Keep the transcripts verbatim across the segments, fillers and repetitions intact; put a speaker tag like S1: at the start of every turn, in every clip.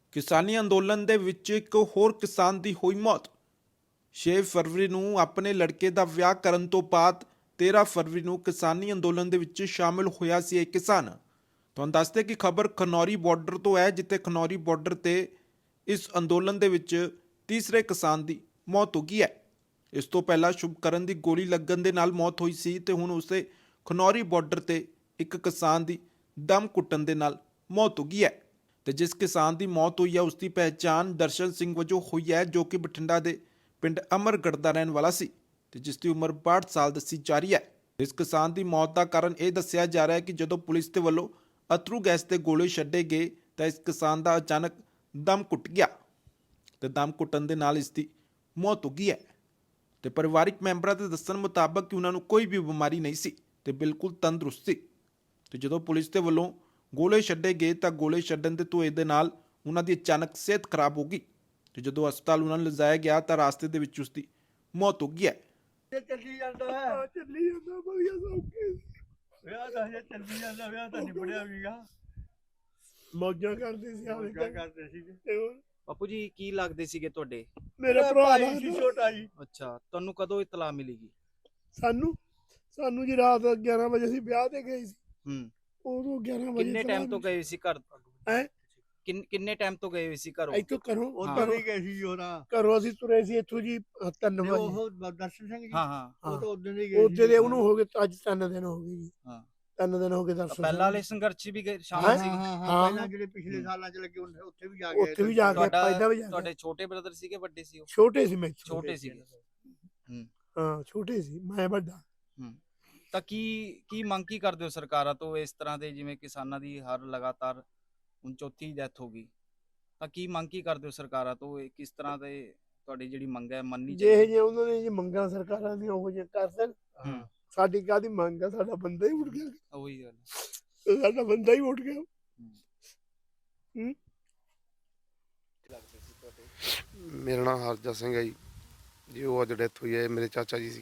S1: किसानी अंदोलन दे विच एक होर किसान दी होई मौत। छे फरवरी नूं अपने लड़के दा विआह करन तो बाद तेरह फरवरी नूं किसानी अंदोलन दे विच शामिल होया सी एक किसान। तुहानूं दसदे कि खबर खनौरी बॉर्डर तो है, जिथे खनौरी बॉर्डर ते इस अंदोलन दे विच तीसरे किसान दी मौत हो गई है। इस तो पहला शुभकरण दी गोली लगन दे नाल मौत हुई सी ते हुण उसे खनौरी बॉर्डर ते एक किसान दी दम कुੱਟਣ ਦੇ ਨਾਲ मौत हो गई है। ਤੇ जिस किसान की मौत हुई है उसकी पहचान दर्शन सिंह वजों हुई है, जो कि बठिंडा के पिंड अमरगढ़ का रहने वाला सी ते जिसकी उम्र बासठ साल दसी जा रही है। इस किसान की मौत का कारण यह दसिया जा रहा है कि जदों पुलिस के वलों अथरू गैस के गोले छड्डे गए तो इस किसान का अचानक दम घुट गया तो दम घुटन के नाल इसकी मौत हो गई है। तो परिवारिक मैंबरों के दस्सण मुताबक कि उन्होंने कोई भी बीमारी नहीं सी ते बिल्कुल तंदुरुस्त सी। तो जदों पुलिस के वलों गोले छड्डे गए तो गोले छड्डण के धुएं दे नाल उन्हां दी अचानक सेहत खराब हो गई। तो जदों हस्पताल उन्हां नूं लिजाया गया तो रास्ते दे विच उसदी मौत हो गई है।
S2: ਚੱਲੀ ਜਾਂਦਾ ਹੈ ਚੱਲੀ ਜਾਂਦਾ ਵਧੀਆ ਸੌਖੇ ਵਿਆਹ ਤਾਂ ਹਜੇ ਚੱਲੀ ਜਾਂਦਾ ਵਿਆਹ ਤਾਂ ਨਿਬੜਿਆ ਵੀਗਾ ਮੌਜਾਂ ਕਰਦੇ ਸੀ ਆਵੇ ਕਰਦੇ ਸੀਗੇ ਤੇ ਹੋਰ
S3: ਬਾਪੂ ਜੀ ਕੀ ਲੱਗਦੇ ਸੀਗੇ ਤੁਹਾਡੇ?
S2: ਮੇਰਾ ਭਰਾ ਸੀ ਛੋਟਾ ਜੀ।
S3: ਅੱਛਾ, ਤੁਹਾਨੂੰ ਕਦੋਂ ਇਤਲਾ ਮਿਲੀਗੀ?
S2: ਸਾਨੂੰ ਸਾਨੂੰ ਜੀ ਰਾਤ ਗਿਆਰਾਂ ਵਜੇ ਅਸੀਂ ਵਿਆਹ ਤੇ ਗਏ ਸੀ।
S3: ਹੂੰ,
S2: ਉਦੋਂ ਗਿਆਰਾਂ ਵਜੇ
S3: ਕਿੰਨੇ ਟਾਈਮ ਤੋਂ ਗਏ ਸੀ ਘਰ?
S2: ਹੈ
S3: ਕਿੰਨ ਕਿੰਨੇ ਟਾਈਮ ਤੋਂ ਗਏ ਹੋਏ ਸੀ ਘਰੋਂ?
S2: ਇੱਥੋਂ ਘਰੋਂ
S3: ਉੱਧਰ
S2: ਹੀ ਗਏ ਸੀ ਉਹਦਾ ਘਰੋਂ ਅਸੀਂ ਤੁਰੇ ਸੀ ਇੱਥੋਂ ਜੀ ਤਿੰਨ ਵਜੇ। ਉਹ ਦਰਸ਼ਨ ਸਿੰਘ ਜੀ
S3: ਹਾਂ ਹਾਂ,
S2: ਉਹ ਤਾਂ ਉਦੋਂ ਹੀ ਗਏ ਸੀ। ਉਹਦੇ ਉਹਨੂੰ ਹੋ ਗਏ ਅੱਜ ਤਿੰਨ ਦਿਨ ਹੋ ਗਏ ਜੀ।
S3: ਹਾਂ,
S2: ਤਿੰਨ ਦਿਨ ਹੋ ਗਏ ਦਰਸ਼ਨ।
S3: ਪਹਿਲਾਂ ਵਾਲੇ ਸੰਘਰਸ਼ 'ਚ ਵੀ ਗਏ ਸ਼ਾਮਲ ਸੀ?
S2: ਹਾਂ ਹਾਂ, ਪਹਿਲਾਂ ਜਿਹੜੇ ਪਿਛਲੇ ਸਾਲਾਂ 'ਚ ਲੱਗੇ ਉੱਥੇ ਵੀ ਜਾ ਕੇ ਉੱਥੇ ਵੀ ਜਾ ਕੇ ਪਹਿਲਾਂ ਵੀ ਜਾ ਕੇ।
S3: ਤੁਹਾਡੇ ਛੋਟੇ ਬ੍ਰਦਰ ਸੀਗੇ ਵੱਡੇ ਸੀ ਉਹ?
S2: ਛੋਟੇ ਸੀ ਮੈਂ
S3: ਛੋਟੇ ਸੀਗੇ। ਹੂੰ
S2: ਹਾਂ ਛੋਟੇ ਸੀ ਮੈਂ ਵੱਡਾ।
S3: ਹੂੰ, ਤਾਂ ਕੀ ਕੀ ਮੰਗ ਕੀ ਕਰਦੇ ਹੋ ਸਰਕਾਰਾਂ ਤੋਂ ਇਸ ਤਰ੍ਹਾਂ ਦੇ, ਜਿਵੇਂ ਕਿਸਾਨਾਂ ਦੀ ਹਰ ਲਗਾਤਾਰ ਹੁਣ ਚੌਥੀ ਡੈਥ ਹੋ ਗਈ, ਤਾਂ ਕੀ ਮੰਗ ਕੀ ਕਰਦੇ ਹੋ ਸਰਕਾਰਾਂ ਤੋਂ? ਇਹ ਕਿਸ ਤਰ੍ਹਾਂ ਦੇ ਤੁਹਾਡੀ ਜਿਹੜੀ ਮੰਗ ਹੈ ਮੰਨਣੀ
S2: ਜੇ
S3: ਚਾਹੀਦੀ?
S2: ਜੇ ਉਹਨਾਂ ਨੇ ਜੇ ਮੰਗਾਂ ਸਰਕਾਰਾਂ ਦੀਆਂ ਉਹ ਜੇ ਕਰ ਦੇਣ,
S3: ਹੂੰ,
S2: ਸਾਡੀ ਕਾਹਦੀ ਮੰਗ ਆ? ਸਾਡਾ ਬੰਦਾ ਹੀ ਉੱਠ ਗਿਆ,
S3: ਉਹੀ ਗੱਲ।
S2: ਸਾਡਾ ਬੰਦਾ ਹੀ ਉੱਠ ਗਿਆ। ਹੂੰ,
S4: ਮੇਰਾ ਨਾਮ ਹਰਜਾ ਸਿੰਘ ਹੈ ਜੀ। ਜੀ ਉਹ ਅੱਜ ਡੈਥ ਹੋਈ ਹੈ, ਮੇਰੇ ਚਾਚਾ ਜੀ ਸੀ।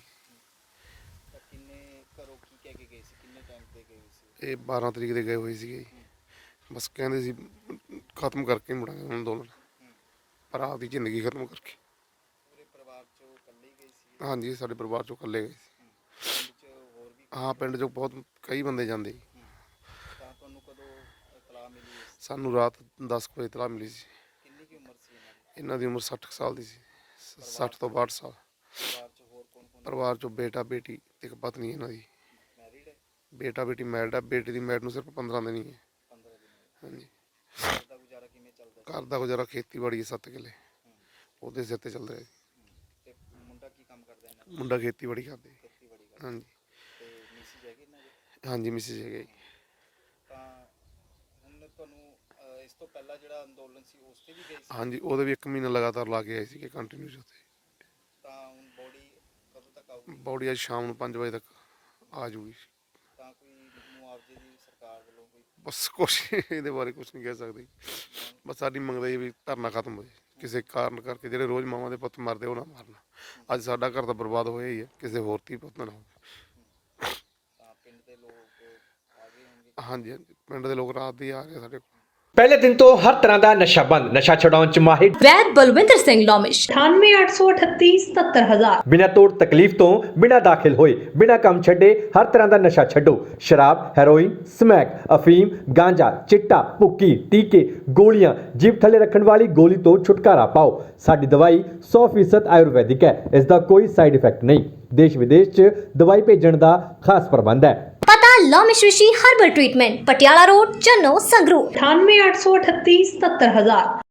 S3: ਕਿੰਨੇ ਘਰੋਂ ਕੀ ਕਹਿ ਕੇ ਗਏ ਸੀ? ਕਿੰਨੇ ਟਾਈਮ ਤੇ ਗਏ ਸੀ?
S4: ਇਹ ਬਾਰਾਂ ਤਰੀਕ ਦੇ ਗਏ ਹੋਏ ਸੀਗੇ ਜੀ। ਬਸ ਕਹਿੰਦੇ ਸੀ ਖਤਮ ਕਰਕੇ ਮੁੜਾਂਗੇ ਅੰਦੋਲਨ, ਪਰ ਆਪਦੀ ਜ਼ਿੰਦਗੀ ਖਤਮ ਕਰਕੇ।
S3: ਪੂਰੇ ਪਰਿਵਾਰ ਚੋਂ ਇਕੱਲੇ ਗਏ ਸੀ?
S4: ਹਾਂਜੀ, ਸਾਡੇ ਪਰਿਵਾਰ ਚੋਂ ਇਕੱਲੇ ਗਏ ਸੀ।
S3: ਪਿੰਡ 'ਚ ਹੋਰ ਵੀ?
S4: ਹਾਂ, ਪਿੰਡ 'ਚੋਂ ਬਹੁਤ ਕਈ ਬੰਦੇ ਜਾਂਦੇ ਜੀ।
S3: ਤਾਂ ਤੁਹਾਨੂੰ ਕਦੋਂ ਇਤਲਾਹ ਮਿਲੀ ਇਸ?
S4: ਸਾਨੂੰ ਰਾਤ ਦਸ ਕੁ ਵਜੇ ਇਤਲਾਹ ਮਿਲੀ ਸੀ।
S3: ਕਿੰਨੀ ਕੀ ਉਮਰ ਸੀ ਇਹਨਾਂ ਦੀ?
S4: ਇਹਨਾਂ ਦੀ ਉਮਰ ਸੱਠ ਕੁ ਸਾਲ ਦੀ ਸੀ, ਸੱਠ ਤੋਂ ਬਾਹਠ ਸਾਲ।
S3: ਪਰਿਵਾਰ 'ਚ ਹੋਰ ਕੌਣ ਕੌਣ?
S4: ਪਰਿਵਾਰ 'ਚੋਂ ਬੇਟਾ ਬੇਟੀ ਤੇ ਇੱਕ ਪਤਨੀ ਇਹਨਾਂ ਦੀ।
S3: ਮੈਰਿਡ ਹੈ?
S4: ਬੇਟਾ ਬੇਟੀ ਮੈਰਿਡ ਹੈ, ਬੇਟੀ ਦੀ ਮੈਰਿਡ ਨੂੰ ਸਿਰਫ ਪੰਦਰਾਂ ਦਿਨ ਹੀ ਹੈ।
S3: ਪੰਦਰਾਂ ਦਿਨ?
S4: ਹਾਂਜੀ,
S3: ਘਰ ਦਾ ਗੁਜ਼ਾਰਾ ਕਿਵੇਂ ਚੱਲਦਾ ਸੀ?
S4: ਘਰ ਦਾ ਗੁਜ਼ਾਰਾ ਖੇਤੀਬਾੜੀ ਹੈ, ਸੱਤ ਕਿੱਲੇ ਉਹਦੇ ਸਿਰ ਤੇ ਚੱਲ ਰਿਹਾ ਜੀ।
S3: ਤੇ ਮੁੰਡਾ ਕੀ ਕੰਮ ਕਰਦਾ ਇਹਨਾਂ ਦਾ?
S4: ਮੁੰਡਾ ਖੇਤੀਬਾੜੀ ਕਰਦੇ।
S3: ਖੇਤੀਬਾੜੀ ਕਰਦਾ।
S4: ਹਾਂਜੀ
S3: ਤੇ ਮਿਸਿਸ ਹੈਗੇ ਇਹਨਾਂ ਦੇ?
S4: ਹਾਂਜੀ, ਮਿਸਿਸ ਹੈਗੇ ਜੀ।
S3: ਤਾਂ ਹੁਣ ਤੁਹਾਨੂੰ ਅਹ, ਇਸ ਤੋਂ ਪਹਿਲਾਂ ਜਿਹੜਾ ਅੰਦੋਲਨ ਸੀ ਉਸ ਤੇ ਵੀ ਗਏ ਸੀ?
S4: ਹਾਂਜੀ, ਉਹਦੇ ਵੀ ਇੱਕ ਮਹੀਨਾ ਲਗਾਤਾਰ ਲਾ ਕੇ ਆਏ ਸੀਗੇ ਕੰਟੀਨਿਊ ਉੱਥੇ।
S3: ਤਾਂ ਹੁਣ ਬੋਡੀ ਕਦੋਂ ਤੱਕ ਆਊਗੀ?
S4: ਬੌਡੀ ਅੱਜ ਸ਼ਾਮ ਨੂੰ ਪੰਜ ਵਜੇ ਤੱਕ ਆ ਜੂਗੀ।
S3: ਤਾਂ ਕੋਈ ਮੁਆਵਜ਼ੇ ਦੀ ਸਰਕਾਰ ਵੱਲੋਂ ਕੋਈ?
S4: ਬਸ ਕੁਛ ਇਹਦੇ ਬਾਰੇ ਕੁਛ ਨਹੀਂ ਕਹਿ ਸਕਦੇ। ਬਸ ਸਾਡੀ ਮੰਗਦਾ ਇਹ ਵੀ ਧਰਨਾ ਖਤਮ ਹੋ ਜਾਏ, ਕਿਸੇ ਕਾਰਨ ਕਰਕੇ ਜਿਹੜੇ ਰੋਜ਼ ਮਾਵਾਂ ਦੇ ਪੁੱਤ ਮਰਦੇ ਉਹ ਨਾ ਮਾਰਨਾ। ਅੱਜ ਸਾਡਾ ਘਰ ਤਾਂ ਬਰਬਾਦ ਹੋਇਆ ਹੀ ਹੈ, ਕਿਸੇ ਹੋਰ ਧੀ ਪੁੱਤ ਨਾ ਹੋਵੇ।
S3: ਤਾਂ ਪਿੰਡ ਦੇ ਲੋਕ ਆ ਗਏ ਹੋਣਗੇ?
S4: ਹਾਂਜੀ ਹਾਂਜੀ, ਪਿੰਡ ਦੇ ਲੋਕ ਰਾਤ ਦੇ ਆ ਰਹੇ ਸਾਡੇ ਕੋਲ।
S5: ਪਹਿਲੇ ਦਿਨ ਤੋਂ ਹਰ ਤਰ੍ਹਾਂ ਦਾ ਨਸ਼ਾ ਬੰਦ, ਨਸ਼ਾ ਛਡਾਉਣ ਚ ਮਾਹਿਰ
S6: ਵੈਦ ਬਲਵਿੰਦਰ ਸਿੰਘ ਲੋਮਿਸ਼ ਅਠਾਨਵੇਂ ਅੱਠ ਸੌ ਅਠੱਤੀ ਸਤੱਤਰ ਹਜ਼ਾਰ।
S5: ਬਿਨਾਂ ਤੋੜ ਤਕਲੀਫ ਤੋਂ, ਬਿਨਾਂ ਦਾਖਲ ਹੋਏ, ਬਿਨਾਂ ਕੰਮ ਛੱਡੇ ਹਰ ਤਰ੍ਹਾਂ ਦਾ ਨਸ਼ਾ ਛੱਡੋ। ਸ਼ਰਾਬ, ਹੈਰੋਇਨ, ਸਮੈਕ, ਅਫੀਮ, ਗਾਂਜਾ, ਚਿੱਟਾ, ਭੁੱਕੀ, ਟੀਕੇ, ਗੋਲੀਆਂ, ਜੀਭ ਥੱਲੇ ਰੱਖਣ ਵਾਲੀ ਗੋਲੀ ਤੋਂ ਛੁਟਕਾਰਾ ਪਾਓ। ਸਾਡੀ ਦਵਾਈ ਸੌ ਫੀਸਦ ਆਯੁਰਵੈਦਿਕ ਹੈ, ਇਸ ਦਾ ਕੋਈ ਸਾਈਡ ਇਫੈਕਟ ਨਹੀਂ। ਦੇਸ਼ ਵਿਦੇਸ਼ 'ਚ ਦਵਾਈ ਭੇਜਣ ਦਾ ਖਾਸ ਪ੍ਰਬੰਧ ਹੈ।
S6: ਪਤਾ Lomish Rishi herbal treatment, Patiala road, Channo, Sangrur ਅਠਾਨਵੇਂ ਅੱਠ ਸੌ ਅਠੱਤੀ ਸਤੱਤਰ ਹਜ਼ਾਰ।